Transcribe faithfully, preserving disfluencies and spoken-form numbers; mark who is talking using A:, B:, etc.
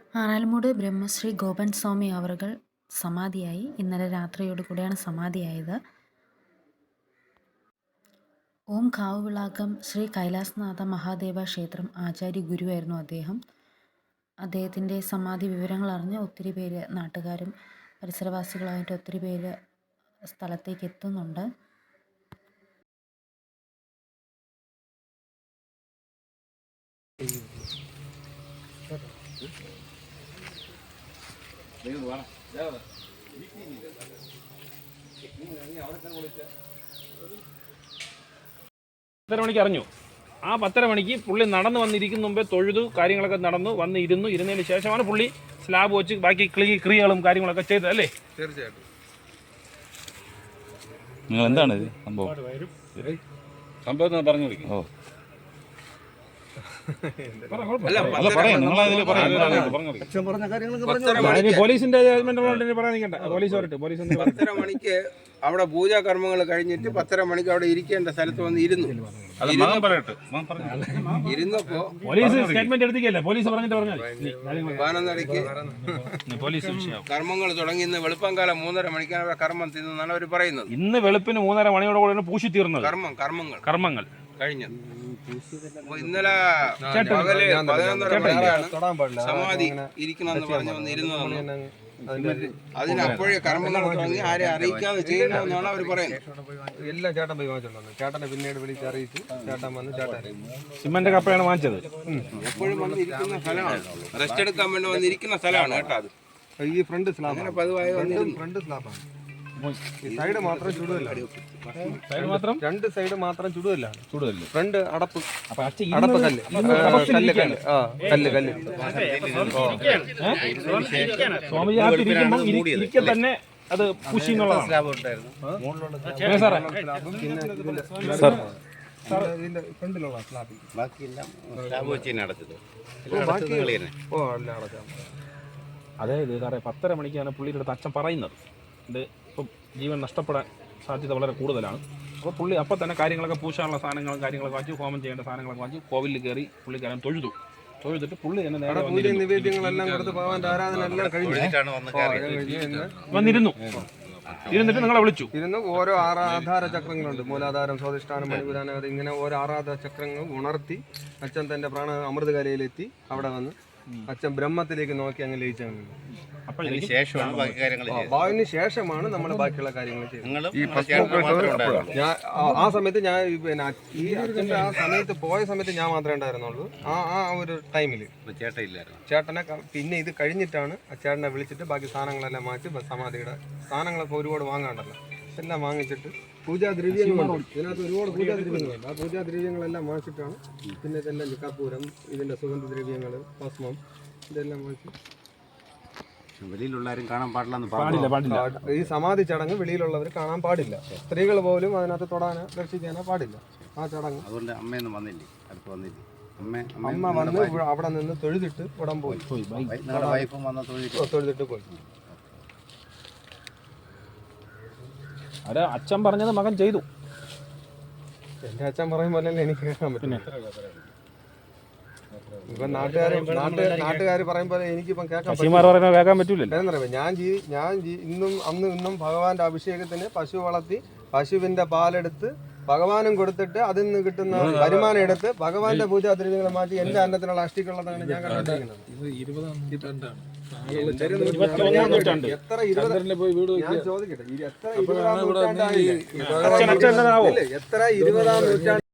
A: ആറാൽമൂട് ബ്രഹ്മശ്രീ ഗോപൻ സ്വാമി അവറുകൾ സമാധിയായി. ഇന്നലെ രാത്രിയോട് കൂടിയാണ് സമാധിയായത്. ഓം കാവുവിളാകം ശ്രീ കൈലാസനാഥ മഹാദേവ ക്ഷേത്രം ആചാര്യ ഗുരുവായിരുന്നു അദ്ദേഹം. അദ്ദേഹത്തിൻ്റെ സമാധി വിവരങ്ങൾ അറിഞ്ഞ് ഒത്തിരി പേര്, നാട്ടുകാരും പരിസരവാസികളായിട്ട് ഒത്തിരി പേര് സ്ഥലത്തേക്ക് എത്തുന്നുണ്ട്.
B: പത്തര മണിക്ക് അറിഞ്ഞു. ആ പത്തര മണിക്ക് പുള്ളി നടന്നു വന്നിരിക്കുന്ന മുമ്പേ തൊഴുതു, കാര്യങ്ങളൊക്കെ നടന്നു വന്ന് ഇരുന്നു. ഇരുന്നതിന് ശേഷമാണ് പുള്ളി സ്ലാബ് വെച്ച് ബാക്കി ക്ലീ ക്രിയകളും കാര്യങ്ങളൊക്കെ ചെയ്തത് അല്ലേ?
C: തീർച്ചയായിട്ടും.
D: നിങ്ങൾ എന്താണ് ഇത് സംഭവം
B: സംഭവം പറഞ്ഞു കൊടുക്കും.
D: ഓ
B: പോലീസിന്റെ പോലീസ് പോലീസ്
C: പത്തര മണിക്ക് അവിടെ പൂജാകർമ്മങ്ങൾ കഴിഞ്ഞിട്ട് പത്തര മണിക്ക് അവിടെ ഇരിക്കേണ്ട സ്ഥലത്ത് വന്ന് ഇരുന്നു. ഇരുന്നപ്പോ
B: പോലീസ് സ്റ്റേറ്റ്മെന്റ് എടുത്തിക്കല്ലേ? പോലീസ് പറഞ്ഞിട്ട് പറഞ്ഞാൽ
C: പതിനൊന്നരയ്ക്ക്
B: പോലീസ്
C: കർമ്മങ്ങൾ തുടങ്ങി. ഇന്ന് വെളുപ്പംകാലം മൂന്നര മണിക്കാണ് അവിടെ കർമ്മം തിന്നാണ് അവർ പറയുന്നത്.
B: ഇന്ന് വെളുപ്പിന് മൂന്നര മണിയോടെ കൂടെ പൂശി തീർന്നത് കർമ്മം കർമ്മങ്ങൾ കർമ്മങ്ങൾ കഴിഞ്ഞത്.
C: ഇന്നലെ പകല് പതിനൊന്നര മണിക്കാണ് സമാധി ഇരിക്കണമെന്ന് പറഞ്ഞു വന്നിരുന്നതെന്ന്. അതിനപ്പോഴേ കർമ്മങ്ങൾ തുടങ്ങി ആരെ അറിയിക്കാതെ ചെയ്യണമെന്നാണ് അവർ പറയുന്നത്.
E: എല്ലാം ചേട്ടൻ പോയി വാങ്ങിച്ചോണ്ടു. ചേട്ടനെ പിന്നീട് വിളിച്ച് അറിയിച്ചു. ചേട്ടൻ വന്ന് ചേട്ടൻ
B: സിമന്റ് കപ്പയാണ് വാങ്ങിച്ചത്.
C: എപ്പോഴും വന്ന് ഇരിക്കുന്ന സ്ഥലമാണ്, റെസ്റ്റ് എടുക്കാൻ വേണ്ടി വന്നിരിക്കുന്ന സ്ഥലമാണ് കേട്ടോ. അത്
E: ഈ ഫ്രണ്ട് സ്ലാബ്
C: പതിവായി
E: ഫ്രണ്ട് സ്ലാബാണ്. സൈഡ് മാത്രം ചുടുകല്ല.
B: സൈഡ് മാത്രം രണ്ട്
E: സൈഡ് മാത്രം ചുടുകല്ല.
B: ചുടുകല്ല.
E: ഫ്രണ്ട് അടപ്പ് അടപ്പ് കല്ല് കല്ല് കല്ല് ആ കല്ല് കല്ല്
B: സ്വാമിജി തന്നെ അത് പുഷി എന്നുള്ളതാണ്.
E: ഇതിന്റെ ഫ്രണ്ടിലുള്ള സ്ലാബ് ഓ എല്ലാം അടച്ചാണ്.
B: അതായത് സാറേ പത്തര മണിക്കാണ് പുള്ളിയുടെ അടുത്ത് അച്ഛൻ പറയുന്നത്. ഇത് ഇപ്പം ജീവൻ നഷ്ടപ്പെടാൻ സാധ്യത വളരെ കൂടുതലാണ്. അപ്പോൾ പുള്ളി അപ്പം തന്നെ കാര്യങ്ങളൊക്കെ പൂശാനുള്ള സാധനങ്ങളും കാര്യങ്ങളൊക്കെ വാങ്ങിച്ചു, ഹോമം ചെയ്യേണ്ട സാധനങ്ങളൊക്കെ വാങ്ങിച്ചു, കോവിലിൽ കയറി പുള്ളിക്കാരൻ തൊഴുതു. തൊഴുതിട്ട് പുള്ളി തന്നെ നേരെ
E: നിവേദ്യങ്ങളെല്ലാം കൊടുത്ത് ഭഗവാന്റെ ആരാധന എല്ലാം കഴിഞ്ഞു
B: വന്നിരുന്നു. ഇരുന്നിട്ട് നിങ്ങളെ വിളിച്ചു.
E: ഇരുന്ന് ഓരോ ആരാധാര ചക്രങ്ങളുണ്ട്. മൂലാധാരം, സ്വാധിഷ്ഠാനം, മണിപുരാനം, ഇങ്ങനെ ഓരോ ആരാധന ചക്രങ്ങൾ ഉണർത്തി അച്ഛൻ തന്റെ പ്രാണ അമൃതകലയിലെത്തി അവിടെ വന്ന് അച്ഛൻ ബ്രഹ്മത്തിലേക്ക് നോക്കി അങ്ങ് ലയിച്ചാണ്. അതിന് ശേഷമാണ് നമ്മൾ ബാക്കിയുള്ള കാര്യങ്ങൾ ചെയ്യുന്നത്. ഞാൻ ആ സമയത്ത് ഞാൻ പിന്നെ ഈ അച്ഛൻ്റെ ആ സമയത്ത് പോയ സമയത്ത് ഞാൻ മാത്രമേ ഉണ്ടായിരുന്നുള്ളൂ. ആ ആ ഒരു ടൈമിൽ ചേട്ടനെ പിന്നെ ഇത് കഴിഞ്ഞിട്ടാണ് ചേട്ടനെ വിളിച്ചിട്ട് ബാക്കി സാധനങ്ങളെല്ലാം മാറ്റി സമാധിയുടെ സാധനങ്ങളൊക്കെ ഒരുപാട് വാങ്ങാണ്ടല്ലോ എല്ലാം വാങ്ങിച്ചിട്ട് പൂജാദ്രവ്യങ്ങളുണ്ട്. ഇതിനകത്ത് ഒരുപാട് പൂജാദ്രവ്യങ്ങളുണ്ട്. ആ പൂജാദ്രവ്യങ്ങളെല്ലാം വാങ്ങിച്ചിട്ടാണ് പിന്നെ ഇതെല്ലാം കർപ്പൂരം, ഇതിൻ്റെ സുഗന്ധദ്രവ്യങ്ങൾ, ഭസ്മം, ഇതെല്ലാം വാങ്ങിച്ചു.
D: വെളിയിലുള്ളവരും കാണാൻ പാടില്ല
B: പാടില്ല.
E: ഈ സമാധി ചടങ്ങ് വെളിയിലുള്ളവർ കാണാൻ പാടില്ല. സ്ത്രീകൾ പോലും അതിനകത്ത് തൊടാനോ ദർശിക്കാനോ പാടില്ല. ആ ചടങ്ങ്
D: അതുകൊണ്ട് അമ്മയൊന്നും വന്നില്ലേ? അടുത്ത് വന്നില്ലേ?
E: അമ്മ വന്ന് അവിടെ നിന്ന് തൊഴുതിട്ട് ഉടൻ പോയി. തൊഴുതിട്ട് പോയി.
B: അത് അച്ഛൻ പറഞ്ഞത് മകൻ ചെയ്തു.
E: എന്റെ അച്ഛൻ പറയും പോലെ എനിക്ക് കേൾക്കാൻ പറ്റും. ഇപ്പൊ നാട്ടുകാർ നാട്ടുകാർ പറയും പോലെ എനിക്കിപ്പം കേൾക്കാൻ
B: കേൾക്കാൻ പറ്റൂലല്ലോ.
E: ഞാൻ ഞാൻ ഇന്നും അന്നും ഇന്നും ഭഗവാന്റെ അഭിഷേകത്തിന് പശു വളർത്തി പശുവിന്റെ പാലെടുത്ത് ഭഗവാനും കൊടുത്തിട്ട് അതിൽ നിന്ന് കിട്ടുന്ന വരുമാനം എടുത്ത് ഭഗവാന്റെ പൂജാദ്രവ്യങ്ങളെ മാറ്റി എന്റെ അന്നത്തിനുള്ള അഷ്ടിക്കുള്ളതാണ് ഞാൻ കണ്ടിരിക്കുന്നത്. എത്ര ഇരുപത് ഞാൻ ചോദിക്കട്ടെ, എത്ര ഇരുപതാം നൂറ്റാണ്ടായില്ലേ? എത്ര ഇരുപതാം നൂറ്റാണ്ട്